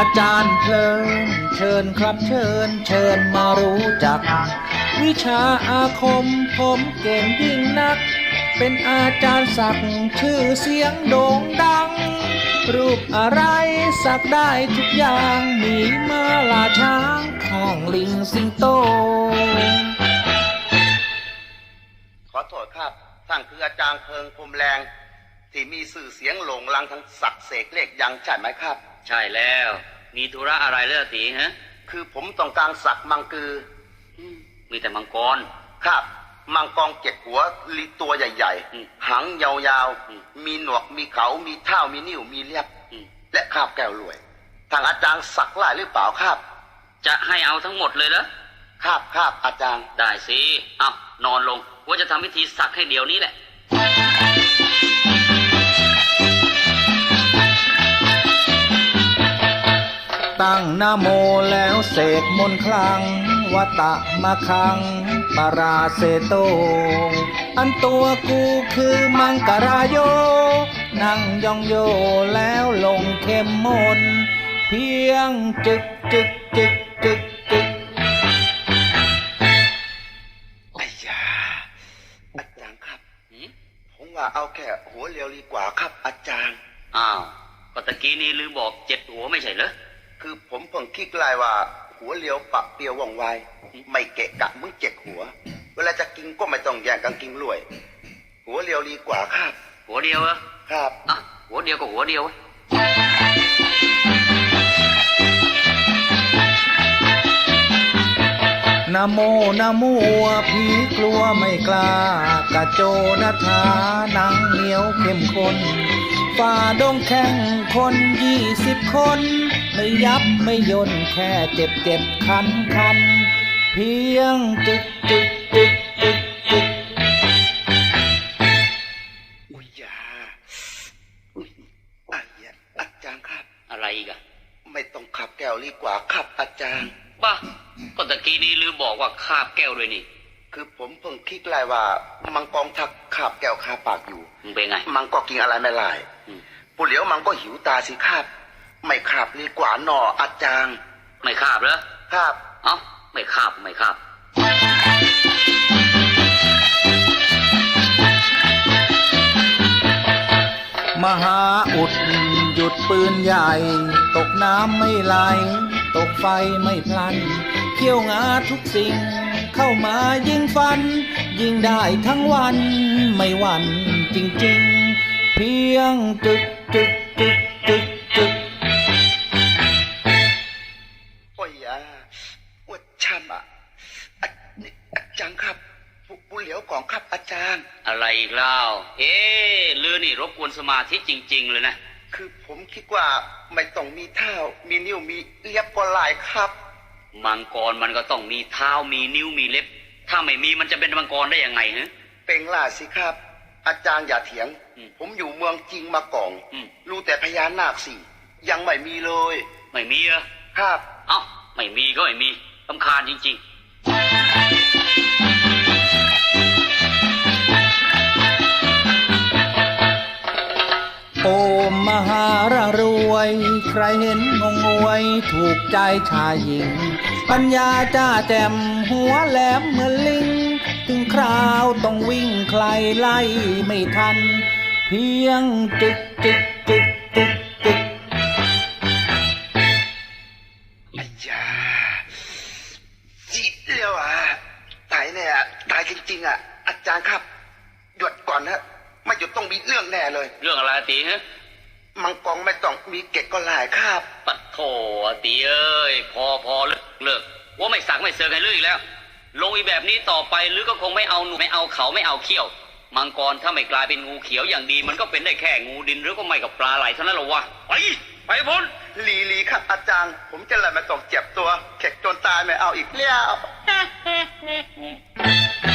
จารย์เพลินเชิญครับเชิญมารู้จักวิชาอาคมผมเก่งยิ่งนักเป็นอาจารย์สักชื่อเสียงโด่งดังรูปอะไรสักได้ทุกอย่างมีม้าลาช้างข้างลิงสิงโตขอโทษครับท่านคืออาจารย์เพิงพรมแรงที่มีสื่อเสียงโหลงลังทั้งสักเสกเลขยังใช่ไหมครับใช่แล้วมีธุระอะไรเลือตีฮะคือผมต้องการสักมังกือมีแต่มังกรครับมังกร7 หัวลีตัวใหญ่ๆหางยาวๆมีหนวกมีเขามีเท้ามีนิ้วมีเล็บและคาบแก้วรวยทางอาจารย์สักหลายหรือเปล่าครับจะให้เอาทั้งหมดเลยเหรอครับอาจารย์ได้สิเอานอนลงว่าจะทำพิธีสักให้เดี๋ยวนี้แหละตั้งนะโมแล้วเสกมนต์คลังวัตะมะคังปาราเซโตอันตัวกูคือมังกราโยนั่งยองโยแล้วลงเข้มมนเพียงจึกไอ้ยาอาจารย์ครับผมว่าเอาแค่หัวเรียวดีกว่าครับอาจารย์อ้าวก็ตะกี้นี้ลืมบอก7 หัวไม่ใช่เหรอคือผมเพิ่งคิดลายว่าหัวเลียวปะเปียวว่องไวไม่เกะกะมึง7 หัวเวลาจะกินก็ไม่ต้องแย่งกันกินรวยหัวเลียวดีกว่าครับหัวเดียวเหรอครับอ่ะหัวเดียวก็หัวเดียวนะโมนะโมผีกลัวไม่กล้ากระโจนทาหนังเหนียวเข้มข้นฝ่าดงแข่งคน20 คนไม่ยับไม่ย่นแค่เจ็บคันเพียงจึกอุ้ยยาอุ้ยอาจารย์ครับอะไรอีกอะไม่ต้องขับแก้วดีกว่าครับอาจารย์บ้าก็ตะกี้นี้ลืมบอกว่าคาบแก้วด้วยนี่คือผมเพิ่งคิดลายว่ามังกรทักคาบแก้วคาปากอยู่มึงเป็นไงมังก็กินอะไรไม่ลายผู้เหลียวมังก็หิวตาสิครับไม่คาบดีกว่าหนออาจารย์ไม่คาบเหรอครับเอ้าไม่คาบมหาอุดหยุดปืนใหญ่ตกน้ำไม่ไหลตกไฟไม่พลันเขี้ยวงาทุกสิ่งเข้ามายิงฟันยิงได้ทั้งวันไม่หวั่นจริงๆเพียงจึกโอ้ยยาวัดช่ำอาจารย์ครับผู้เหลียวของครับอาจารย์อะไรอีกเล่าลือนี่รบกวนสมาธิจริงๆเลยนะคือผมคิดว่าไม่ต้องมีเท้ามีนิ้วมีเล็บก็หลายครับมังกรมันก็ต้องมีเท้ามีนิ้วมีเล็บถ้าไม่มีมันจะเป็นมังกรได้ยังไงฮะเป็นล่าสิครับอาจารย์อย่าเถียงผมอยู่เมืองจริงมาก่อนรู้แต่พญานาคสิยังไม่มีเลยไม่มีเหรอครับเอ้าไม่มีก็ไม่มีรำคาญจริงๆโอมมหารรวยใครเห็นงงงวยถูกใจชายหญิงปัญญาจ้าแจ่มหัวแหลมเหมือนลิงถึงคราวต้องวิ่งใครไล่ไม่ทันเพียงจึกไอ้ยาจิตเลี้ยวตายเนี่ยตายจริงๆอาจารย์ครับหยุดก่อนนะไม่หยุดต้องมีเรื่องแน่เลยเรื่องอะไรตีฮะมังกรไม่ต้องมีเกศก็หลายครับปัดโถตีเอ้ยพอเลิกว่าไม่สักไม่เสือกให้เลิกอีกแล้วลงอีแบบนี้ต่อไปหรือก็คงไม่เอาหนูไม่เอาเขาไม่เอาเขี้ยวมังกรถ้าไม่กลายเป็นงูเขียวอย่างดีมันก็เป็นได้แค่งูดินหรือก็ไม่กับปลาไหลเท่านั้นหรอวะไปพ้นลีครับอาจารย์ผมจะเลยมาต้องเจ็บตัวเข็กจนตายไม่เอาอีกแล้ว